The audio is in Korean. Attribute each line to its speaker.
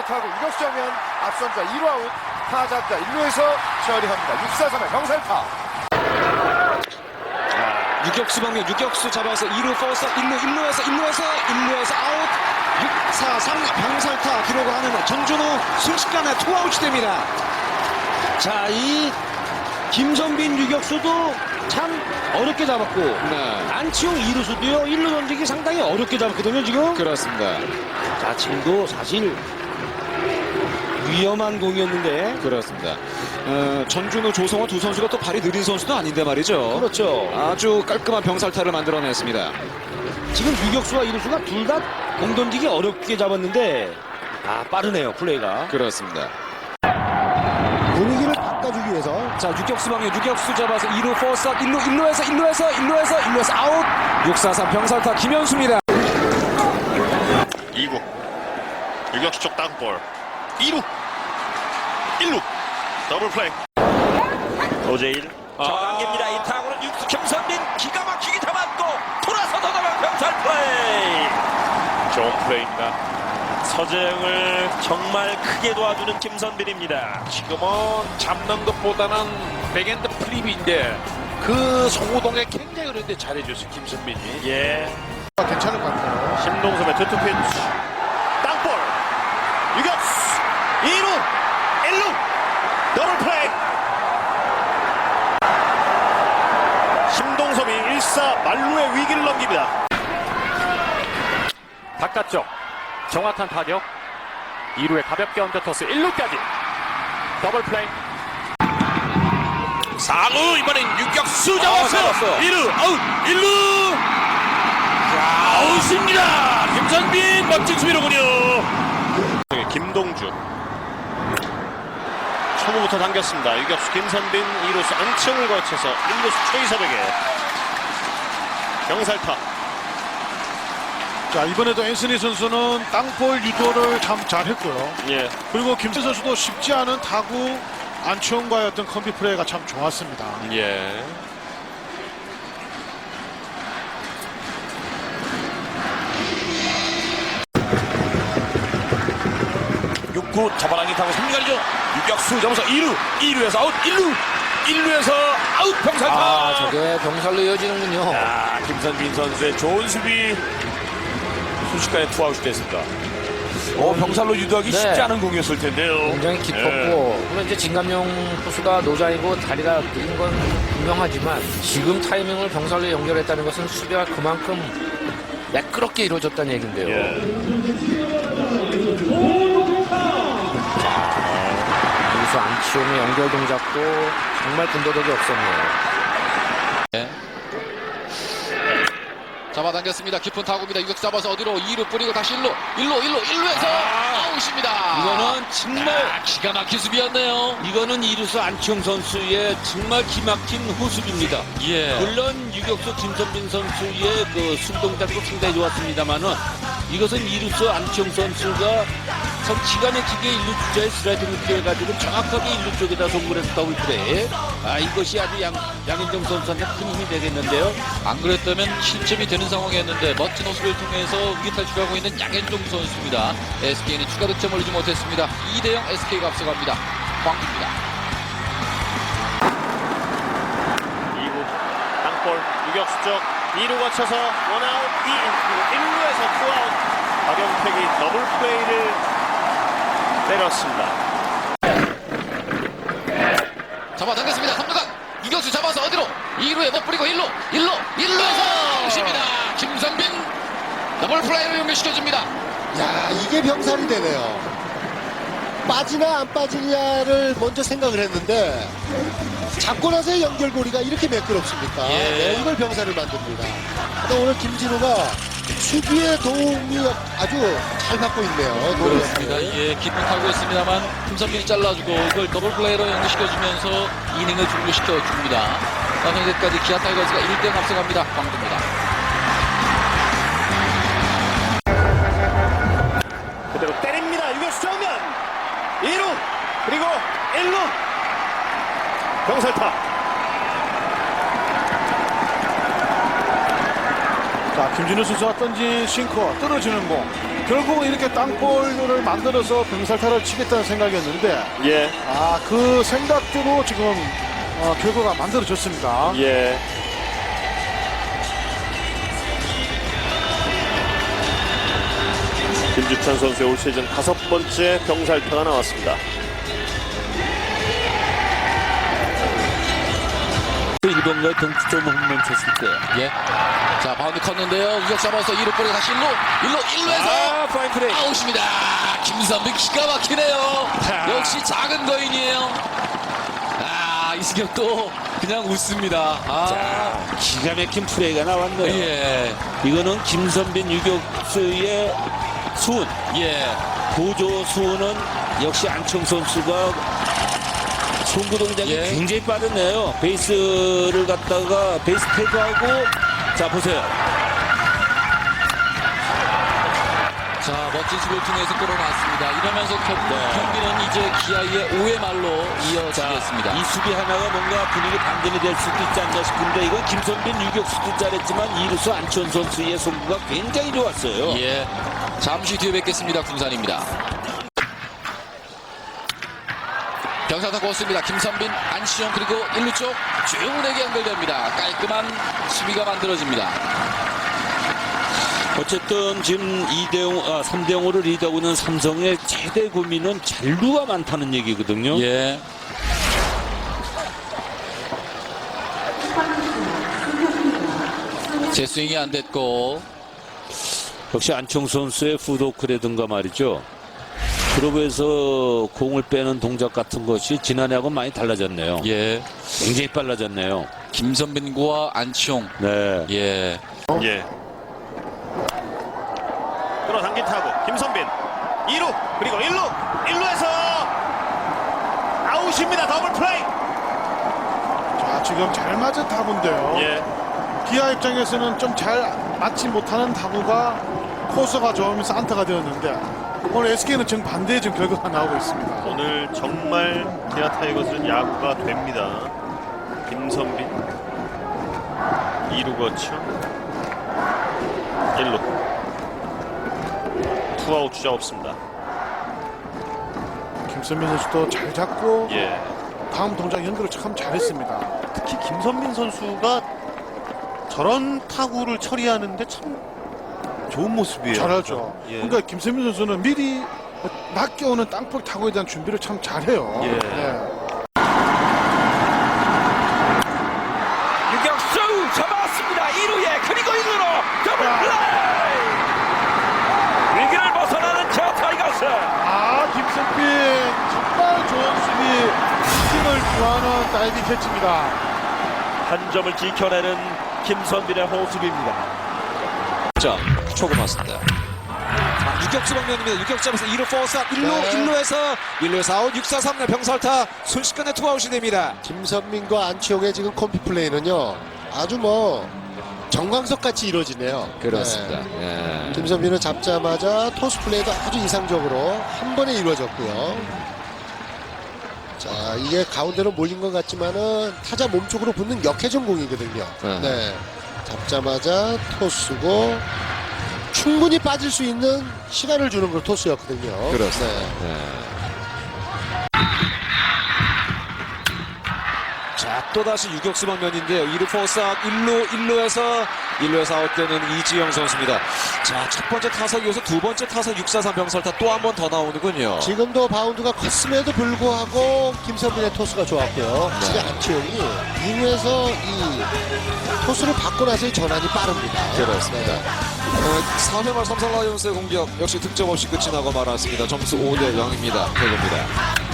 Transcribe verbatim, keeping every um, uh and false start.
Speaker 1: 타구 유격수 정면 앞선자 일 루 아웃. 타자자 일 루에서 처리합니다. 육 사 삼의 병살타.
Speaker 2: 유격수 방면 유격수 잡아서 이 루 포스 일 루 일 루에서 일 루에서 일 루에서 아웃. 육 사 삼 병살타 기록을 하는 전준우 순식간에 투아웃이 됩니다.
Speaker 3: 자, 이 김선빈 유격수도 참 어렵게 잡았고
Speaker 2: 네.
Speaker 3: 안치홍 이 루수도요 일 루 던지기 상당히 어렵게 잡았거든요 지금.
Speaker 2: 그렇습니다.
Speaker 3: 자, 지금도 사실 위험한 공이었는데.
Speaker 2: 그렇습니다. 어, 전준우, 조성호 두 선수가 또 발이 느린 선수도 아닌데 말이죠.
Speaker 3: 그렇죠.
Speaker 2: 아주 깔끔한 병살타를 만들어냈습니다.
Speaker 3: 지금 유격수와 이 루수가 둘 다 공 던지기 어렵게 잡았는데 아, 빠르네요 플레이가.
Speaker 2: 그렇습니다.
Speaker 4: 분위기를 바꿔주기 위해서
Speaker 2: 자, 유격수 방면 유격수 잡아서 이 루 포스 일 루 일 루에서 일 루에서 일 루에서 일 루에서 아웃. 육 사 삼 병살타 김현수입니다.
Speaker 5: 이 구 유격수 쪽 땅볼 이 루 일 루 더블 플레이 오제일
Speaker 6: 정한기입니다. 이 타구는 육수 김선빈 기가 막히게 잡았고 돌아서 더더블 병살 플레이. 좋은 플레이입니다. 서재영을 정말 크게 도와주는 김선빈입니다.
Speaker 7: 지금은 잡는 것보다는 백엔드 플립인데 그 송호동에 굉장히 그런데 잘해줬어요 김선빈이.
Speaker 6: 예.
Speaker 1: 괜찮을 것 같아요.
Speaker 5: 심동섭의 투투 피치 땅볼 유격수 이 루 일 루 더블 플레이. 심동섭이 일 사 만루의 위기를 넘깁니다.
Speaker 8: 바깥쪽 정확한 타격 이 루에 가볍게 언더토스 일 루까지 더블 플레이.
Speaker 6: 사 루 이번엔 유격수 잡았어요. 일 루 아웃 일 루 아웃입니다. 김선빈 멋진 수비로군요.
Speaker 5: 김동주 초구부터 당겼습니다. 유격수 김선빈 이 루수 안치홍을 거쳐서 일 루수 최이섭에게 병살타.
Speaker 4: 자, 이번에도 앤서니 선수는 땅볼 유도를 참 잘했고요.
Speaker 5: 예.
Speaker 4: 그리고 김태 선수도 쉽지 않은 타구 안치홍과의 어떤 컴비 플레이가 참 좋았습니다.
Speaker 5: 예.
Speaker 6: 육 구 잡아당긴 타고 삼 루 가리죠. 유격수 잡아서 이 루 이 루에서 아웃 일 루 일 루에서 아웃 병살타.
Speaker 3: 아, 저게 병살로 이어지는군요.
Speaker 6: 야, 김선빈 선수의 좋은 수비 순식간에 투아웃이 됐습니다. 어, 병살로 유도하기
Speaker 3: 네.
Speaker 6: 쉽지 않은 공이었을 텐데요.
Speaker 3: 굉장히 깊었고 물론 이제 진감용 투수가 노자이고 다리가 느린 건 분명하지만 지금 타이밍을 병살로 연결했다는 것은 수비가 그만큼 매끄럽게 이루어졌다는 얘긴데요. 유수 안치홍의 연결 동작도 정말 군더더기 없었네요.
Speaker 2: 잡아당겼습니다. 깊은 타구입니다. 유격수 잡아서 어디로 이 루 뿌리고 다시 일 루 일 루 일 루 일 루에서 아웃입니다.
Speaker 3: 이거는 정말
Speaker 2: 아, 기가 막힌 수비였네요.
Speaker 3: 이거는 이루수 안치홍 선수의 정말 기막힌 호수비입니다.
Speaker 2: 예.
Speaker 3: 물론 유격수 김선빈 선수의 그 순동작도 상당히 좋았습니다만은 이것은 이루수 안치홍 선수가 참 기가 막히게 일 루 주자의 스트라이크를 피해가지고 정확하게 일 루 쪽에다 송구를 했다고 플레이. 아, 이것이 아주 양, 양현종 선수한테 큰 힘이 되겠는데요.
Speaker 2: 안 그랬다면 실점이 되는 상황이었는데 멋진 호수를 통해서 위기 탈출하고 있는 양현종 선수입니다. 에스케이는 추가 득점 올리지 못했습니다. 이 대 영 에스케이가 앞서갑니다. 광주입니다.
Speaker 5: 이 구 땅볼 유격수 쪽 이 루 거쳐서 원아웃 이 그리고 일 루에서 투아웃. 박영택이 더블 플레이를 때렸습니다.
Speaker 2: 잡아당겼습니다. 삼 루간 유격수 잡아서 어디로 이 루에 못 뿌리고 일 루 일 루 일 루에서 아웃입니다. 김선빈 더블 플레이로 연결시켜줍니다.
Speaker 4: 야, 이게 병살이 되네요. 빠지나 안 빠지냐를 먼저 생각을 했는데 잡고 나서의 연결고리가 이렇게 매끄럽습니까?
Speaker 2: 예.
Speaker 4: 네, 이걸 병살을 만듭니다. 근데 오늘 김진우가 수비의 도움이 아주 잘 받고 있네요.
Speaker 2: 그렇습니다. 예, 깊은 타고 있습니다만 김선빈이 잘라주고 이걸 더블 플레이로 연결시켜주면서 이닝을 종료시켜줍니다. 현재까지 기아 타이거즈가 일 대 영 앞서갑니다. 광주입니다.
Speaker 5: 그대로 때립니다. 유격수 정면 이 루 그리고 일 루 병살타.
Speaker 4: 자, 김
Speaker 9: 김준호 선수가 던진 싱커 떨어지는 공 결국은 이렇게 땅볼을 만들어서 병살타를 치겠다는 생각이었는데
Speaker 5: 예,
Speaker 9: 아, 그 생각대로 지금 어, 결과가 만들어졌습니다.
Speaker 5: 예. 김주찬 선수의 올 시즌 다섯 번째 병살타가 나왔습니다.
Speaker 3: 일 번가에 동점 홈런 쳤을 때.
Speaker 2: 예. 자, 바운드 컸는데요. 우격 잡아서 이 루 볼에 다시 일 루, 일 루, 일 루에서
Speaker 3: 아, 파인 플레이.
Speaker 2: 아웃입니다. 김선빈 기가 막히네요. 역시 작은 거인이에요. 아, 이승엽도 그냥 웃습니다. 아,
Speaker 3: 자, 기가 막힌 플레이가 나왔네요.
Speaker 2: 예,
Speaker 3: 이거는 김선빈 유격수의 수훈.
Speaker 2: 예.
Speaker 3: 보조 수훈은 역시 안청 선수가 송구 동작이
Speaker 2: 예.
Speaker 3: 굉장히 빠르네요. 베이스를 갖다가 베이스 태그하고 자 보세요.
Speaker 2: 자, 멋진 수비를 통해서 끌어놨습니다. 이러면서 결국 경기는 이제 기아의 오 회 말로 이어지겠습니다.
Speaker 3: 이 수비 하나가 뭔가 분위기 반전이 될 수도 있지 않나 싶은데 이건 김선빈 유격수도 잘했지만 이루수 안치홍 선수의 송구가 굉장히 좋았어요.
Speaker 2: 예. 잠시 뒤에 뵙겠습니다. 군산입니다. 병사타 코스입니다. 김선빈, 안치홍 그리고 일 루 쪽 조용훈에게 연결됩니다. 깔끔한 수비가 만들어집니다.
Speaker 3: 어쨌든 지금 이 대 영, 아, 삼 대 영으로 리드하고 있는 삼성의 최대 고민은 잔루가 많다는 얘기거든요.
Speaker 2: 예. 제 스윙이 안 됐고
Speaker 3: 역시 안치홍 선수의 푸드워크라든가 말이죠. 그러고해서 공을 빼는 동작 같은 것이 지난해하고 많이 달라졌네요.
Speaker 2: 예.
Speaker 3: 굉장히 빨라졌네요.
Speaker 2: 김선빈과 안치홍.
Speaker 3: 네.
Speaker 2: 예.
Speaker 5: 예. 끌어당긴 타구 김선빈 이 루 그리고 일 루 일 루에서 아웃입니다. 더블 플레이.
Speaker 9: 자, 지금 잘 맞은 타구인데요.
Speaker 5: 예.
Speaker 9: 기아 입장에서는 좀 잘 맞지 못하는 타구가 코스가 좋으면서 안타가 되었는데 오늘 에스케이는 정반대의 지금 결과가 나오고 있습니다.
Speaker 5: 오늘 정말 기아 타이거즈는 야구가 됩니다. 김선빈 이 루 거쳐 일 루 투아웃 주자 없습니다.
Speaker 9: 김선민 선수도 잘 잡고
Speaker 5: 예.
Speaker 9: 다음 동작 연결을 참 잘했습니다.
Speaker 5: 특히 김선빈 선수가 저런 타구를 처리하는데 참 좋은 모습이에요.
Speaker 9: 잘하죠.
Speaker 5: 예.
Speaker 9: 그러니까 김선민 선수는 미리 낮게 오는 땅볼 타구에 대한 준비를 참 잘해요.
Speaker 5: 예.
Speaker 6: 유격수 잡았습니다. 이 루에 그리고 일 루로 더블 플레이. 위기를 벗어나는 기아 타이거스.
Speaker 9: 아, 김선빈 정말 좋은 수비, 팀을 구하는 다이빙 캐치입니다.
Speaker 6: 한 점을 지켜내는 김선빈의 호수비입니다.
Speaker 10: 자, 초구 맞습니다. 자, 유격수 방면입니다. 유격수에서 이 루 포스업 일 루
Speaker 4: 네.
Speaker 10: 일 루에서 일 루에서 아웃 육 사 삼 루 병살타 순식간에 투아웃이 됩니다.
Speaker 4: 김선민과 안치홍의 지금 콤비 플레이는요 아주 뭐 정광석 같이 이루어지네요.
Speaker 10: 그렇습니다.
Speaker 4: 네.
Speaker 10: 예.
Speaker 4: 김선민은 잡자마자 토스 플레이도 아주 이상적으로 한 번에 이루어졌고요. 자, 이게 가운데로 몰린 것 같지만은 타자 몸쪽으로 붙는 역회전 공이거든요.
Speaker 10: 네.
Speaker 4: 네. 잡자마자 토스고 충분히 빠질 수 있는 시간을 주는 걸 토스였거든요.
Speaker 10: 그렇습니다.
Speaker 4: 네.
Speaker 10: 자, 또다시 유격수 방면인데요. 이 루 포스업 일 루 일 루에서 일 루에서 아웃되는 이지영 선수입니다. 자, 첫 번째 타석 이어서 두 번째 타석 육 사 삼 병살타 또 한 번 더 나오는군요.
Speaker 4: 지금도 바운드가 컸음에도 불구하고 김선빈의 토스가 좋았고요.
Speaker 10: 네.
Speaker 4: 지금 안치홍이 이 루에서 이 토스를 받고 나서의 전환이 빠릅니다.
Speaker 10: 그렇습니다.
Speaker 4: 네.
Speaker 10: 어, 사 회 말 삼성 라이온스의 공격 역시 득점 없이 끝이 나고 말았습니다. 점수 오 대 영입니다. 대구입니다.